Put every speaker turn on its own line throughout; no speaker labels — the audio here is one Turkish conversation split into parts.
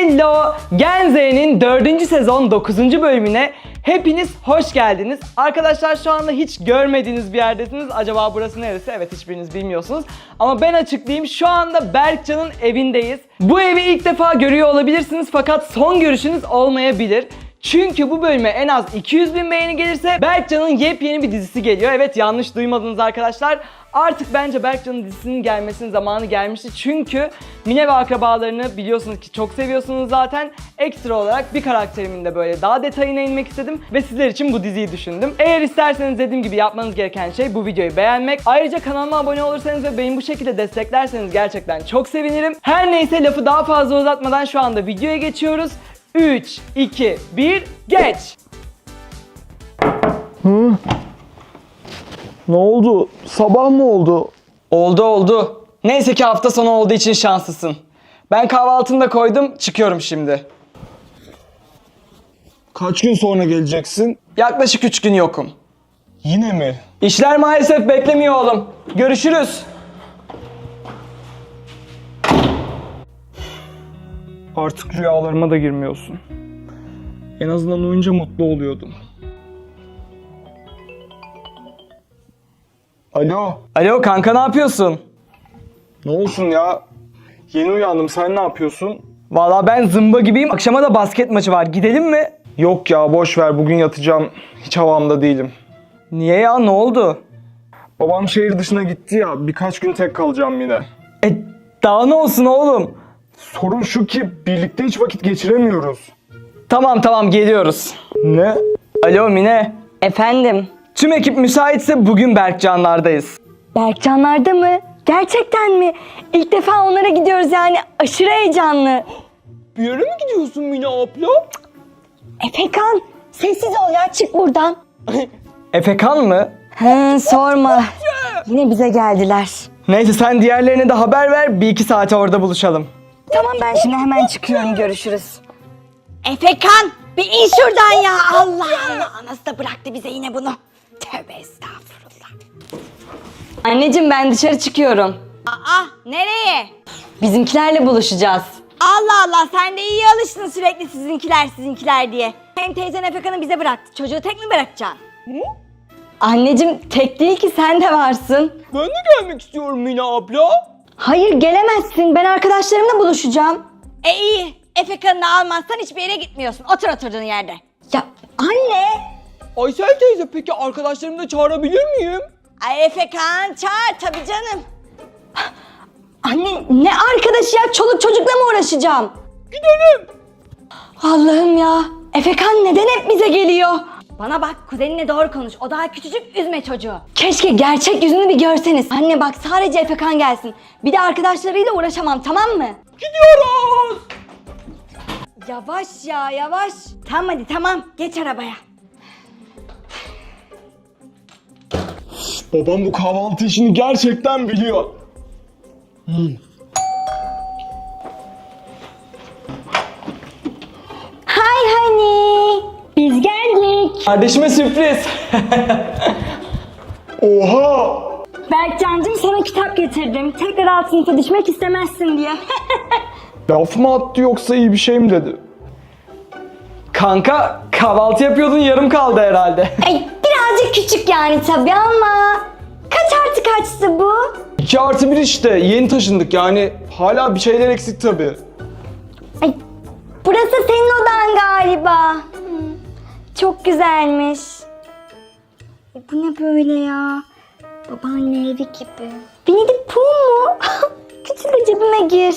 Hello! Gen Z'nin 4. sezon 9. bölümüne hepiniz hoş geldiniz. Arkadaşlar şu anda hiç görmediğiniz bir yerdesiniz. Acaba burası neresi? Evet, hiçbiriniz bilmiyorsunuz. Ama ben açıklayayım. Şu anda Berkcan'ın evindeyiz. Bu evi ilk defa görüyor olabilirsiniz fakat son görüşünüz olmayabilir. Çünkü bu bölüme en az 200.000 beğeni gelirse Berkcan'ın yepyeni bir dizisi geliyor. Evet, yanlış duymadınız arkadaşlar. Artık bence Berkcan'ın dizisinin gelmesinin zamanı gelmişti. Çünkü Mine ve akrabalarını biliyorsunuz ki çok seviyorsunuz zaten. Ekstra olarak bir karakterimin de böyle daha detayına inmek istedim ve sizler için bu diziyi düşündüm. Eğer isterseniz dediğim gibi yapmanız gereken şey bu videoyu beğenmek. Ayrıca kanalıma abone olursanız ve beni bu şekilde desteklerseniz gerçekten çok sevinirim. Her neyse, lafı daha fazla uzatmadan şu anda videoya geçiyoruz. 3, 2, 1, geç!
Ne oldu? Sabah mı oldu?
Oldu. Neyse ki hafta sonu olduğu için şanslısın. Ben kahvaltımı da koydum, çıkıyorum şimdi.
Kaç gün sonra geleceksin?
Yaklaşık 3 gün yokum.
Yine mi?
İşler maalesef beklemiyor oğlum. Görüşürüz.
Artık rüyalarıma da girmiyorsun. En azından uyunca mutlu oluyordum. Alo.
Alo kanka, ne yapıyorsun?
Ne olsun ya? Yeni uyandım. Sen ne yapıyorsun?
Vallahi ben zımba gibiyim. Akşama da basket maçı var. Gidelim mi?
Yok ya, boş ver. Bugün yatacağım. Hiç havamda değilim.
Niye ya? Ne oldu?
Babam şehir dışına gitti ya. Birkaç gün tek kalacağım yine.
Daha ne olsun oğlum?
Sorun şu ki birlikte hiç vakit geçiremiyoruz.
Tamam geliyoruz.
Ne?
Alo Mine.
Efendim?
Tüm ekip müsaitse bugün Berkcanlardayız.
Berkcanlarda mı? Gerçekten mi? İlk defa onlara gidiyoruz yani. Aşırı heyecanlı.
Bir yere mi gidiyorsun Mine abla?
Efekan, sessiz ol ya, çık buradan.
Efekan mı?
Sorma. Yine bize geldiler.
Neyse, sen diğerlerine de haber ver. 1-2 saate orada buluşalım.
Tamam, ben şimdi hemen çıkıyorum, görüşürüz. Efekan, bir in şuradan ya. Allah Allah, nasıl da bıraktı bize yine bunu. Tövbe estağfurullah. Anneciğim, ben dışarı çıkıyorum.
Aa, nereye?
Bizimkilerle buluşacağız.
Allah Allah, sen de iyi alıştın sürekli sizinkiler diye. Hem teyzen Efekan'ı bize bıraktı. Çocuğu tek mi bırakacaksın?
Anneciğim, tek değil ki, sen de varsın.
Ben de gelmek istiyorum Mine abla.
Hayır, gelemezsin. Ben arkadaşlarımla buluşacağım.
İyi. Efekan'ı almazsan hiçbir yere gitmiyorsun. Otur oturduğun yerde.
Ya anne!
Aysel teyze, peki arkadaşlarımı da çağırabilir miyim?
Ay Efekan çağır tabii canım.
Anne, ne arkadaşı ya? Çoluk çocukla mı uğraşacağım?
Gidelim.
Allah'ım ya! Efekan neden hep bize geliyor?
Bana bak, kuzeninle doğru konuş. O daha küçücük, üzme çocuğu.
Keşke gerçek yüzünü bir görseniz. Anne bak, sadece Efekan gelsin. Bir de arkadaşlarıyla uğraşamam, tamam mı?
Gidiyoruz.
Yavaş ya, yavaş. Tamam hadi, tamam. Geç arabaya.
Babam bu kahvaltı işini gerçekten biliyor.
Hi honey! Biz geldik.
Kardeşime sürpriz.
Oha!
Berkcancığım, sana kitap getirdim. Tekrar alt sınıfa düşmek istemezsin diye.
Laf mı attı yoksa iyi bir şey mi dedi?
Kanka, kahvaltı yapıyordun, yarım kaldı herhalde.
Ay, birazcık küçük yani tabii ama. Kaç artı kaçtı bu?
2+1 işte. Yeni taşındık yani. Hala bir şeyler eksik tabii.
Ay, burası senin odan galiba. Çok güzelmiş. Bu ne böyle ya? Babaanne evi gibi. Winnie the Pooh mu? Küçük de cebime gir.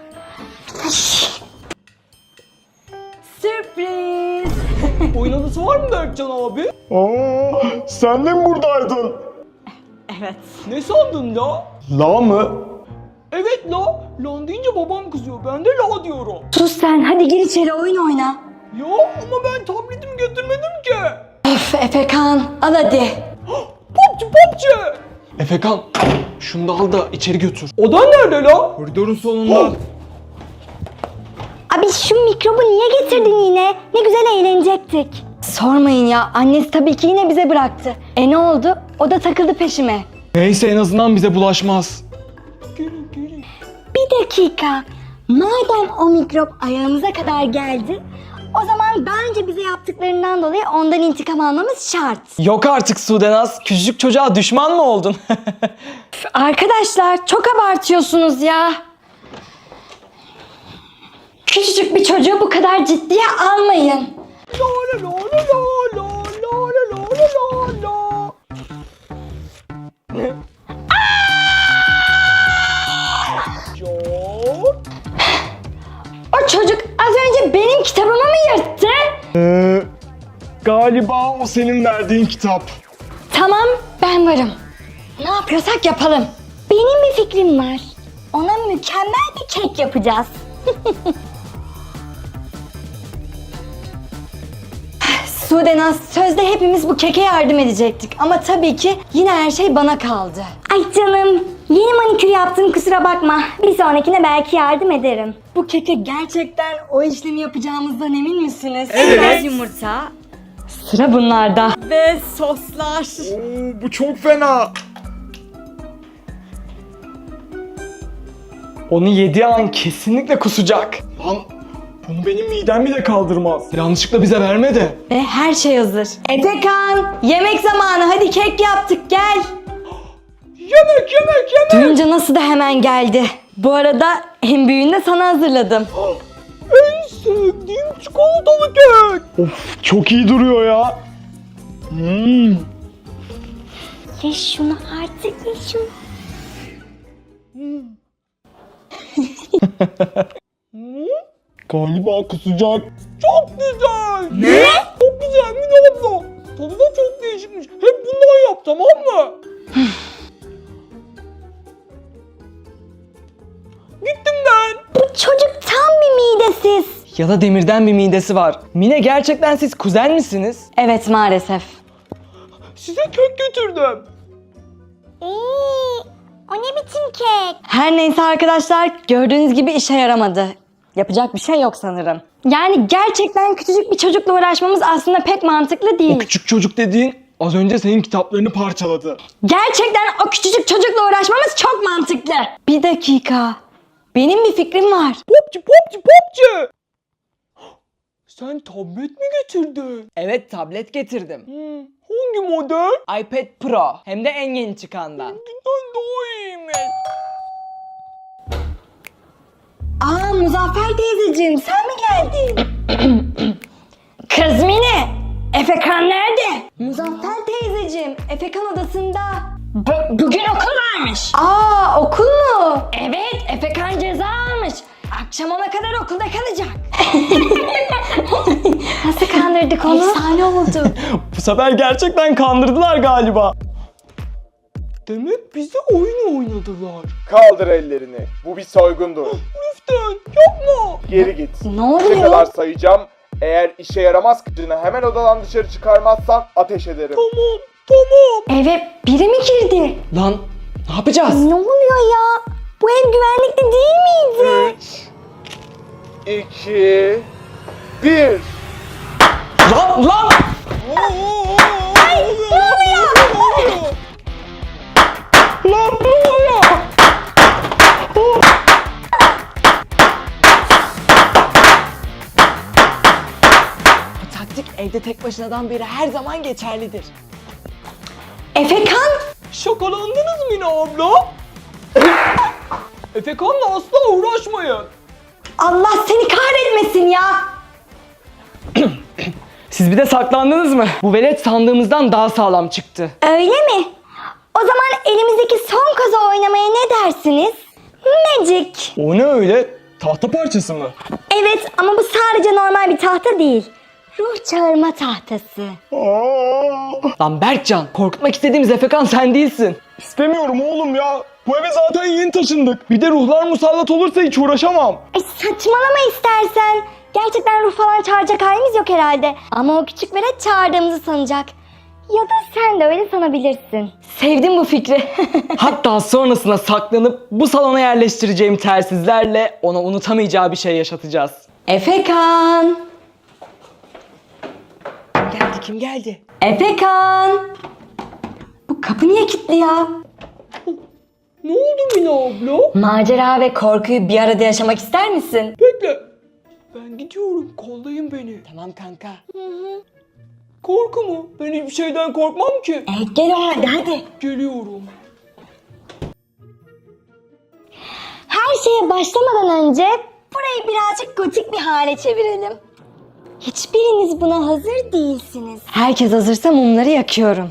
Sürpriz.
Oyun odası var mı Berkcan abi?
Aa, sen de mi buradaydın?
Evet.
Ne sandın la?
La mı?
Evet la. Lan deyince babam kızıyor. Ben de la diyorum.
Sus sen, hadi gir içeri oyun oyna.
Ya ama ben tabletimi götürmedim ki.
Öf Efekan, al hadi.
PUBG.
Efekan, şunu da al da içeri götür.
Odan nerede la?
Koridorun sonunda.
Abi şu mikrobu niye getirdin yine? Ne güzel eğlenecektik. Sormayın ya, annesi tabii ki yine bize bıraktı. Ne oldu? O da takıldı peşime.
Neyse, en azından bize bulaşmaz.
Gelin.
Bir dakika. Madem o mikrop ayağımıza kadar geldi, o zaman daha önce bize yaptıklarından dolayı ondan intikam almamız şart.
Yok artık Sudenaz. Küçücük çocuğa düşman mı oldun?
Arkadaşlar çok abartıyorsunuz ya. Küçücük bir çocuğu bu kadar ciddiye almayın. O çocuk az önce benim kitabımı mı yırttı?
Galiba o senin verdiğin kitap.
Tamam, ben varım. Ne yapıyorsak yapalım. Benim bir fikrim var. Ona mükemmel bir kek yapacağız. Sudenaz, sözde hepimiz bu keke yardım edecektik. Ama tabii ki yine her şey bana kaldı. Ay canım, yeni manikür yaptım, kusura bakma. Bir sonrakine belki yardım ederim. Bu keke gerçekten o işlemi yapacağımızdan emin misiniz?
Evet. Yumurta.
Sıra bunlarda.
Ve soslar.
Oo, bu çok fena.
Onu yediği an kesinlikle kusacak.
Lan bunu benim midem bile kaldırmaz.
Yanlışlıkla bize verme de.
Ve her şey hazır. Efekan, yemek zamanı, hadi kek yaptık, gel.
Yemek.
Duyunca nasıl da hemen geldi. Bu arada en büyüğünü de sana hazırladım.
En sevdiğim çikolatalı kek.
Of çok iyi duruyor ya.
Ye şunu artık, ye şunu.
Galiba kusacak.
Çok güzel. Ne? Çok güzel Mine abla. Tadı da çok değişikmiş. Hep bundan yap, tamam mı? Gittim ben.
Bu çocuk tam bir midesiz.
Ya da demirden bir midesi var. Mine, gerçekten siz kuzen misiniz?
Evet, maalesef.
Size kek getirdim.
O ne biçim kek? Her neyse arkadaşlar, gördüğünüz gibi işe yaramadı. Yapacak bir şey yok sanırım. Yani gerçekten küçücük bir çocukla uğraşmamız aslında pek mantıklı
O
değil.
küçük çocuk dediğin az önce senin kitaplarını parçaladı.
Gerçekten o küçücük çocukla uğraşmamız çok mantıklı. Bir dakika. Benim bir fikrim var.
Popçu. Sen tablet mi getirdin? Evet, tablet getirdim. Hangi model? iPad Pro. Hem de en yeni çıkandan. Benimkinden daha iyiymiş.
Aa, Muzaffer teyzeciğim, sen mi geldin? Kız Mine, Efekan nerede? Muzaffer teyzeciğim, Efekan odasında. Bugün okul varmış. Aa, okul mu? Evet, Efekan ceza almış. Akşam ona kadar okulda kalacak. Nasıl kandırdık onu? Efsane oldu.
Bu sefer gerçekten kandırdılar galiba. Demek bize oyun oynadılar.
Kaldır ellerini. Bu bir soygundur.
Lütfen yapma.
Geri git.
Ne
Ne
oluyor?
kadar sayacağım. Eğer işe yaramaz kızını hemen odadan dışarı çıkarmazsan ateş ederim.
Tamam.
Eve biri mi girdi?
Lan ne yapacağız?
Ne oluyor ya? Bu ev güvenlikli değil miydi?
2 1
Lan!
Ay, ne oluyor?
Lan ne oluyor? Bu taktik evde tek başınadan beri her zaman geçerlidir.
Efekan?
Şakalandınız mı Mine abla? Efekan'la asla uğraşmayın.
Allah seni kahretmesin ya.
Siz bir de saklandınız mı? Bu velet sandığımızdan daha sağlam çıktı.
Öyle mi? O zaman elimizdeki son kozu oynamaya ne dersiniz? Magic.
O ne öyle? Tahta parçası mı?
Evet, ama bu sadece normal bir tahta değil. Ruh çağırma tahtası.
Lan Berkcan, korkutmak istediğimiz Efekan sen değilsin.
İstemiyorum oğlum ya. Bu eve zaten yeni taşındık. Bir de ruhlar musallat olursa hiç uğraşamam.
Saçmalama istersen. Gerçekten ruh falan çağıracak halimiz yok herhalde. Ama o küçük velet çağırdığımızı sanacak. Ya da sen de öyle sanabilirsin. Sevdim bu fikri.
Hatta sonrasında saklanıp bu salona yerleştireceğim telsizlerle ona unutamayacağı bir şey yaşatacağız.
Efekan.
Kim geldi?
Efekan. Bu kapı niye kilitli ya?
Ne oldu Mine abla?
Macera ve korkuyu bir arada yaşamak ister misin?
Bekle. Ben gidiyorum. Kollayın beni.
Tamam kanka.
Korku mu? Ben hiçbir şeyden korkmam ki.
Gel o halde hadi.
Geliyorum.
Her şeye başlamadan önce burayı birazcık gotik bir hale çevirelim. Hiçbiriniz buna hazır değilsiniz.
Herkes hazırsa mumları yakıyorum.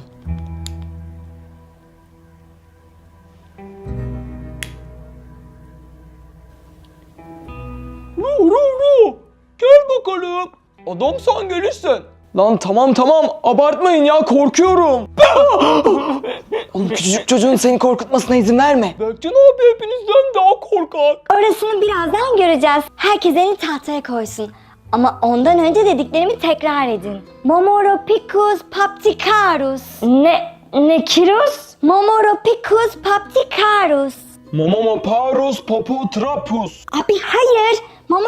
Ru. Gel bakalım. Adamsan gelirsin. Lan tamam abartmayın ya, korkuyorum.
Oğlum küçücük çocuğun seni korkutmasına izin verme.
Berkcan abi hepinizden daha korkak.
Orasını birazdan göreceğiz. Herkes elini tahtaya koysun. Ama ondan önce dediklerimi tekrar edin. Momoropicus papticarus. Ne kirus? Momoropicus papticarus.
Momomoparus popotrapus.
Abi hayır.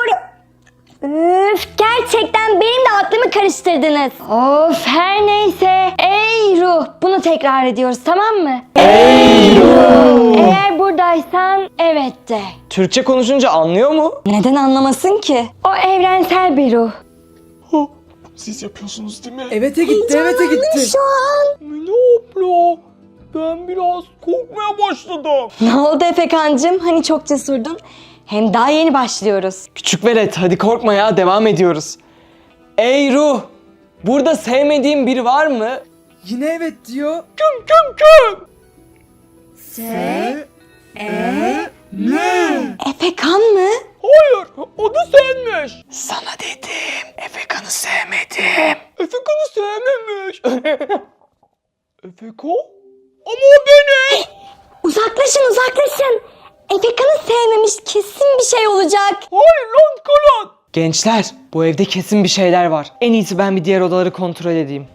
Üf, gerçekten benim de aklımı karıştırdınız. Of, her neyse. Ey ruh. Bunu tekrar ediyoruz, tamam mı? Ey ruh. Eğer buradaysan evet de.
Türkçe konuşunca anlıyor mu?
Neden anlamasın ki?
O evrensel bir ruh.
Siz yapıyorsunuz değil mi?
Evete gitti.
Şu an.
Mine abla, ben biraz korkmaya başladım.
Ne oldu Efekancığım? Hani çok cesurdun. Hem daha yeni başlıyoruz.
Küçük velet hadi korkma ya, devam ediyoruz. Ey ruh, burada sevmediğin biri var mı? Yine evet diyor.
Kim?
Efekan mı?
Hayır, o da senmiş.
Sana dedim, Efekan'ı sevmedim.
Efekan'ı sevmemiş. Efekan? Ama o benim.
Uzaklaşın. Efekan'ı sevmemiş, kesin bir şey olacak.
Hayır lan kalan.
Gençler, bu evde kesin bir şeyler var. En iyisi ben bir diğer odaları kontrol edeyim.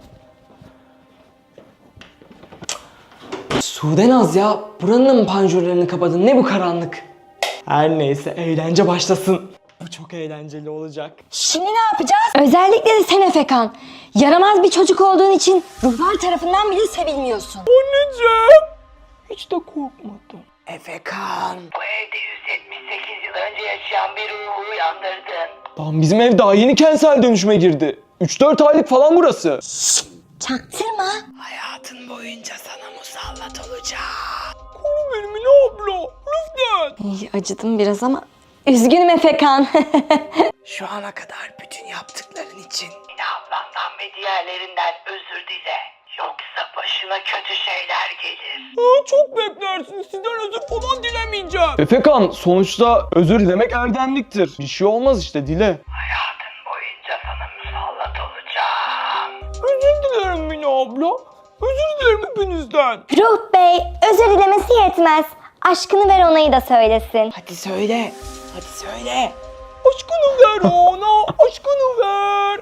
Sudenaz ya, buranın da mı panjurlarını kapadın? Ne bu karanlık? Her neyse, eğlence başlasın. Bu çok eğlenceli olacak.
Şimdi ne yapacağız? Özellikle de sen Efekan. Yaramaz bir çocuk olduğun için ruhlar tarafından bile sevilmiyorsun.
Anneciğim. Hiç de korkmadım.
Efekan.
Bu evde 178 yıl önce yaşayan bir ruhu uyandırdın.
Lan bizim ev daha yeni kentsel dönüşüme girdi. 3-4 aylık falan burası.
Çaktırma.
Hayatın boyunca sana musallat olacağım.
Koru beni Mine abla. Lütfen.
İyi, acıdım biraz ama üzgünüm Efekan.
Şu ana kadar bütün yaptıkların için.
Yine ablandan ve diğerlerinden özür dile. Yoksa başına kötü şeyler gelir.
Çok beklersin. Sizden özür falan dilemeyeceğim. Efekan, sonuçta özür dilemek erdemliktir. Bir şey olmaz işte, dile.
Hayatın boyunca sana musallat olacağım.
Özür dilerim Mine abla. Özür dilerim hepinizden.
Ruh Bey, özür dilemesi yetmez. Aşkını ver onayı da söylesin.
Hadi söyle. Hadi söyle.
Aşkını ver ona. Aşkını ver.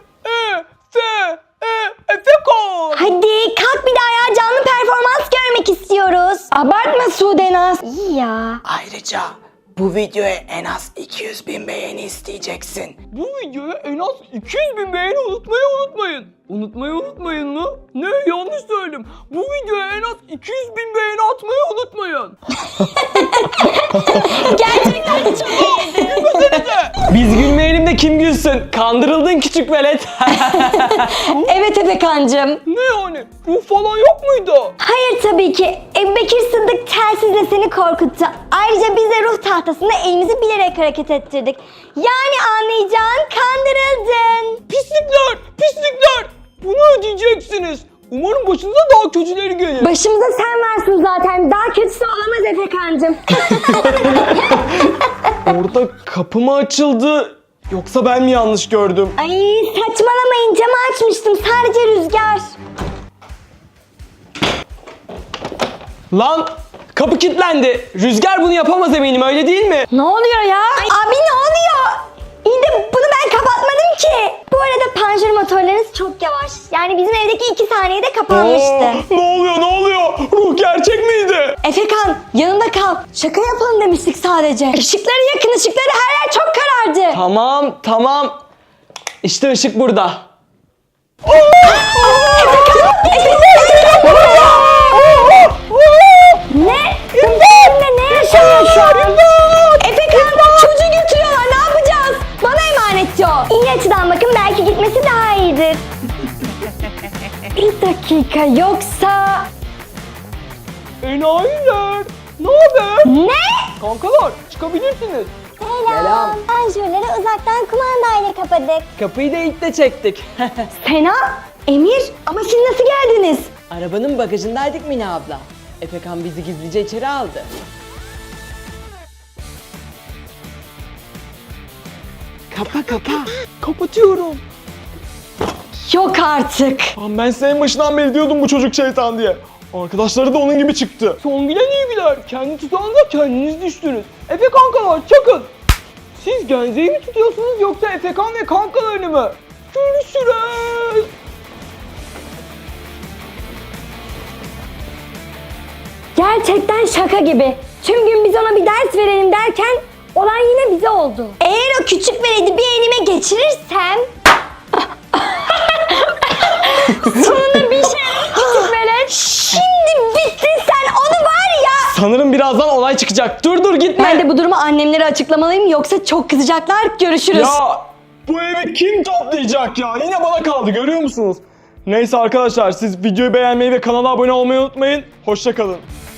Efekan.
Hadi kalk bir daha ya, canlı performans görmek istiyoruz.
Abartma Sudenaz.
İyi ya.
Ayrıca bu videoya en az 200.000 beğeni isteyeceksin.
Bu videoya en az 200.000 beğeni unutmayın. Unutmayın mı? Ne? Yanlış söyledim. Bu videoya en az 200.000 beğeni atmayı unutmayın.
Gerçekten de çok iyiydi.
Biz gülmeyelim de kim gülsün? Kandırıldın küçük velet.
Evet Efekancığım.
Ne yani? Ruh falan yok muydu?
Hayır tabii ki. Ebubekir Sıddık telsizle seni korkuttu. Ayrıca biz de ruh tahtasında elimizi bilerek hareket ettirdik. Yani anlayacağın kandırıldın.
Pislikler! Bunu ödeyeceksiniz. Umarım başınıza daha kötüleri gelir.
Başımıza sen varsın zaten. Daha kötüsü olamaz Efekancığım.
Orada kapı mı açıldı? Yoksa ben mi yanlış gördüm?
Ay saçmalamayın, camı açmıştım. Sadece rüzgar.
Lan kapı kilitlendi. Rüzgar bunu yapamaz eminim, öyle değil mi?
Ne oluyor ya?
Abi ne oluyor? İyi de bunu ben kapatmadım ki. Bu arada panjur motorlarınız çok yavaş. Yani bizim evdeki 2 saniyede kapanmıştı.
Ne oluyor? Ruh gerçek miydi?
Efekan yanında kal. Şaka yapalım demiştik sadece. Işıkları yakın, ışıkları, her yer çok karardı.
Tamam. İşte ışık burada.
Ne? Ne? midir? Bir dakika, yoksa...
Enayiler. Ne haber?
Ne?
Kankalar çıkabilirsiniz.
Selam. Panjurları uzaktan kumandayla kapadık.
Kapıyı da ilk de çektik.
Sena, Emir, ama siz nasıl geldiniz?
Arabanın bagajındaydık Mine abla. Efekan bizi gizlice içeri aldı. Kapa.
Kapatıyorum.
Yok artık.
Lan ben senin başından beri diyordum bu çocuk şeytan diye. Arkadaşları da onun gibi çıktı. Son gülen iyi güler. Kendi tutağınıza kendiniz düştünüz. Efe kankalar çakın. Siz Genze'yi mi tutuyorsunuz yoksa Efekan ve kankalarını mı? Görüşürüz.
Gerçekten şaka gibi. Tüm gün biz ona bir ders verelim derken olan yine bize oldu. Eğer o küçük veledi bir elime geçirirsem... Sonunda bir şey küçük velet. Şimdi bittin sen, onu var ya.
Sanırım birazdan olay çıkacak. Dur gitme.
Ben de bu durumu annemlere açıklamalıyım, yoksa çok kızacaklar. Görüşürüz.
Ya bu evi kim toplayacak ya? Yine bana kaldı, görüyor musunuz? Neyse arkadaşlar, siz videoyu beğenmeyi ve kanala abone olmayı unutmayın. Hoşça kalın.